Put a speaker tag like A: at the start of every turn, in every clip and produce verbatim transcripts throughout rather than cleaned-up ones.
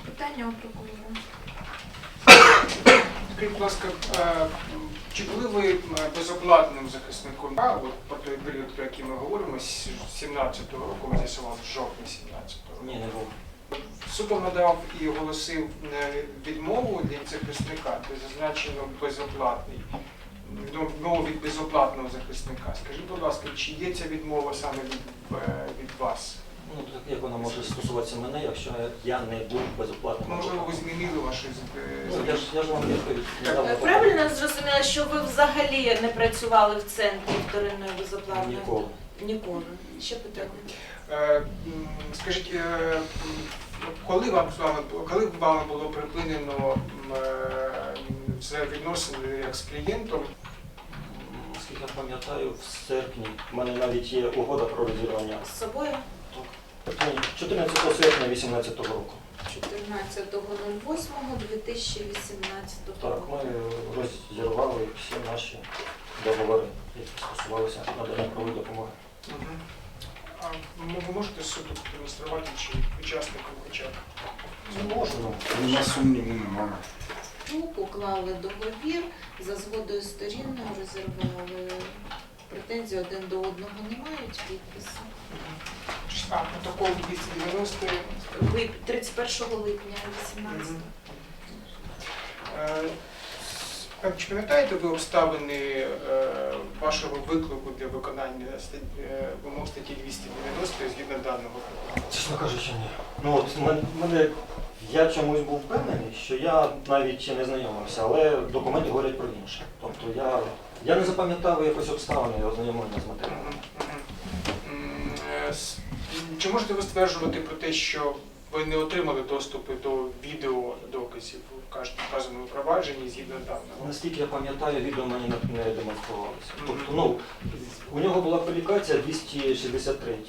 A: Питання у прокурора.
B: Скажіть, будь ласка, чи були ви безоплатним захисником? А, от про той період, про який ми говоримо, з сімнадцятого року, ми з'ясували, з жовтня сімнадцятого року.
C: Ні, не був.
B: Суд вам надав і оголосив відмову для захисника, де зазначено безоплатний. Відмову від безоплатного захисника. Скажіть, будь ласка, чи є ця відмова саме від, від вас?
C: Ну, так як вона може стосуватися мене, якщо я не був безоплатним?
B: Можливо, ви змінили ваші
C: Ну, я ж, я ж вам відповідь не дав.
A: Правильно зрозуміла, що ви взагалі не працювали в центрі вторинної безоплатної?
C: Ніколи.
A: Ніколи. Ще питання.
B: Е, Скажіть, е, коли вам з вами коли вами було припинено е, це відносини як з клієнтом?
C: Наскільки я пам'ятаю, в серпні в мене навіть є угода про розірвання.
A: З собою?
C: чотирнадцятого серпня дві тисячі вісімнадцятого року.
A: чотирнадцятого восьмого дві тисячі вісімнадцятого
C: Так,
A: року.
C: ми розірвали всі наші договори, які стосувалися надання правової допомоги.
B: Угу. А ви можете суду демонструвати, чи учасникам хоча б?
C: Не можемо.
D: Нема сумніву, немає.
A: Уклали договір, за згодою сторін розірвали. Претензій один до одного не мають, підпису.
B: А протокол двісті дев'яносто?
A: Ви тридцять першого липня вісімнадцятого.
B: Е, Чи пам'ятаєте ви обставини е, вашого виклику для виконання е, вимог статті двісті дев'яносто згідно даного протоколу?
C: Чесно кажучи, ні. Ну, от мен- мене, я чомусь був впевнений, що я навіть ще не знайомився, але документи говорять про інше. Тобто я, я не запам'ятав якось обставини ознайомлення з матеріалом.
B: Мгм, мгм. М, е, с- Чи можете ви стверджувати про те, що ви не отримали доступу до відеодоказів у вказаному провадженні згідно даного?
C: Наскільки я пам'ятаю, відео мені не не демонструвалося. Тобто, ну, у нього була публікація двісті шістдесят три.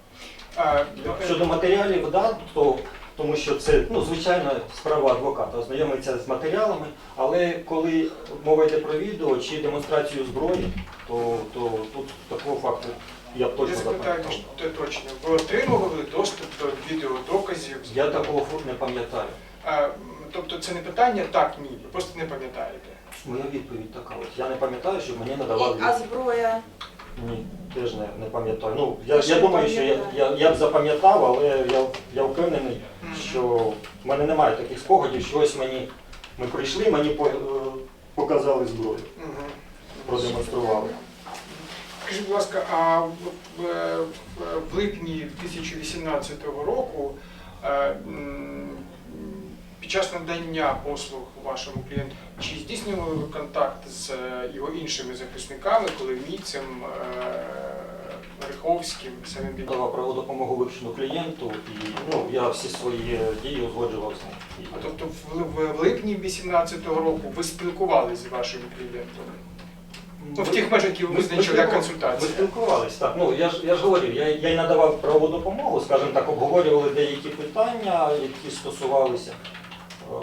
B: А,
C: Щодо матеріалів, да, то, тому що це, ну, звичайно, справа адвоката, ознайомиться з матеріалами, але коли мова йде про відео чи демонстрацію зброї, то, то тут такого факту я б
B: Я
C: точно
B: запитаю
C: запам'ятав.
B: те точно. Ви отримували доступ до відеодоказів?
C: Я такого факту не пам'ятаю.
B: А, м, тобто це не питання так, ні, ви просто не пам'ятаєте.
C: Моя відповідь така. От. Я не пам'ятаю, щоб мені надавали.
A: І- А зброя?
C: Ні, теж не, не пам'ятаю. Ну, я,
A: Що
C: я думаю, що я,
A: пам'ятаю?
C: я, я б запам'ятав, але я, я впевнений,
B: Мгм.
C: що в мене немає таких спогадів, що ось мені, ми прийшли, мені по- е, показали зброю,
B: Мгм.
C: продемонстрували.
B: Скажіть, будь ласка, а в, в- в липні дві тисячі вісімнадцятого року е, м, під час надання послуг вашому клієнту, чи здійснювали ви контакт з е, його іншими захисниками, Коломійцем, е, Риховським, самим
C: Я
B: Бі-
C: давав правову допомогу вивчену клієнту, і ну, я всі свої дії узгоджував з ним.
B: А тобто в, в, в липні вісімнадцятого року ви спілкувалися з вашим клієнтом? Ну, в тих межах, які ви
C: Ми
B: визначили як
C: спілкувалися.
B: консультація.
C: Ми спілкувалися, так. Ну, я ж, я ж говорив, я, я й надавав правову допомогу, скажімо так, обговорювали деякі питання, які стосувалися. е,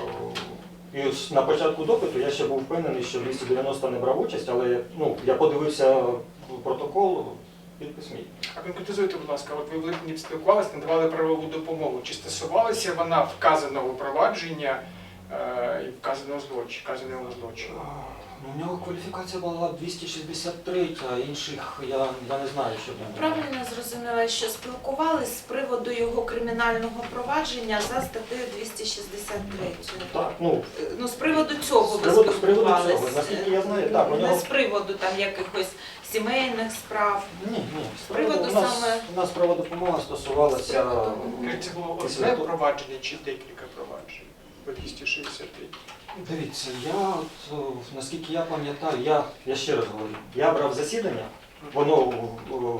C: І ось на початку допиту я ще був впевнений, що двісті дев'яносто не брав участь, але ну, я подивився протокол, підпис мій.
B: А конкретизуйте, будь ласка, от ви в липні спілкувалися, надавали правову допомогу. Чи стосувалася вона вказаного провадження е, і вказаного злочину, вказаного злочину?
C: Ну, у нього кваліфікація була двісті шістдесят три, а інших я, я не знаю, що там.
A: Правильно зрозуміла, що спілкувались з приводу його кримінального провадження за статтею двісті шістдесят три.
C: Так, ну,
A: Ну, з приводу цього
C: З
A: ви
C: приводу- з приводу
A: спілкувались?
C: цього, наскільки я знаю, так, у
A: Не
C: нього-
A: з приводу там якихось сімейних справ.
C: ні, ні.
A: З приводу
C: у нас,
A: саме-
C: у нас правова допомога стосувалася.
A: З приводу-
B: Скажіть, Це було
C: Після
B: одне
C: того-
B: провадження чи декілька проваджень по двісті шістдесят три?
C: Дивіться, я, от, о, наскільки я пам'ятаю, я, я ще раз говорю, я брав засідання, воно о, о,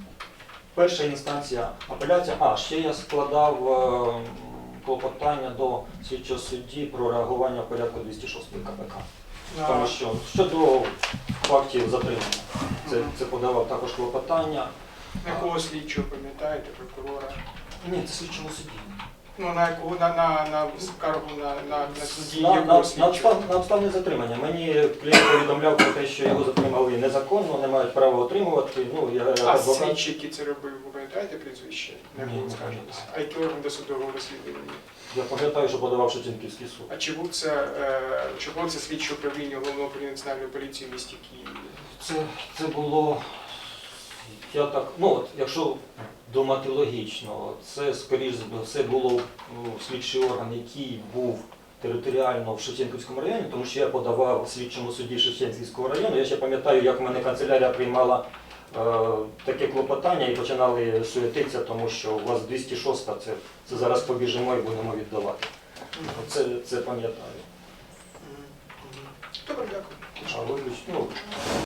C: перша інстанція апеляція, а ще я складав е, клопотання до слідчого судді про реагування в порядку двісті шостої ка пе ка. Тому що щодо фактів затримання, це, це подавав також клопотання.
B: Якого слідчого пам'ятаєте, прокурора?
C: Ні, це слідчому судді.
B: Ну, на якого на, на, на скаргу на, на, на суді
C: На, на,
B: якого
C: на,
B: слідчого?
C: обстав, на обставне затримання. Мені клієнт повідомляв про те, що його затримали незаконно, не мають права отримувати. Ну, я, як
B: А
C: адвокат.
B: слідчий, який це робив, ви пам'ятаєте прізвище? На
C: Ні,
B: якого
C: не
B: скаржилися?
C: пам'ятаю.
B: А який орган досудового розслідування?
C: Я пам'ятаю, що подавав Шевченківський суд.
B: А чи був це, е, чи було це слідче управління Головного управління Національної поліції в місті Києві?
C: Це, це було, я так, ну от, якщо думати логічно, це, скоріш за все, було ну, слідчий орган, який був територіально в Шевченківському районі, тому що я подавав в слідчому суді Шевченківського району. Я ще пам'ятаю, як в мене канцелярія приймала е, таке клопотання і починали суетитися, тому що у вас двісті шоста, це, це зараз побіжимо і будемо віддавати. Це, це пам'ятаю.
B: Добре, дякую.
C: А виключно, ну,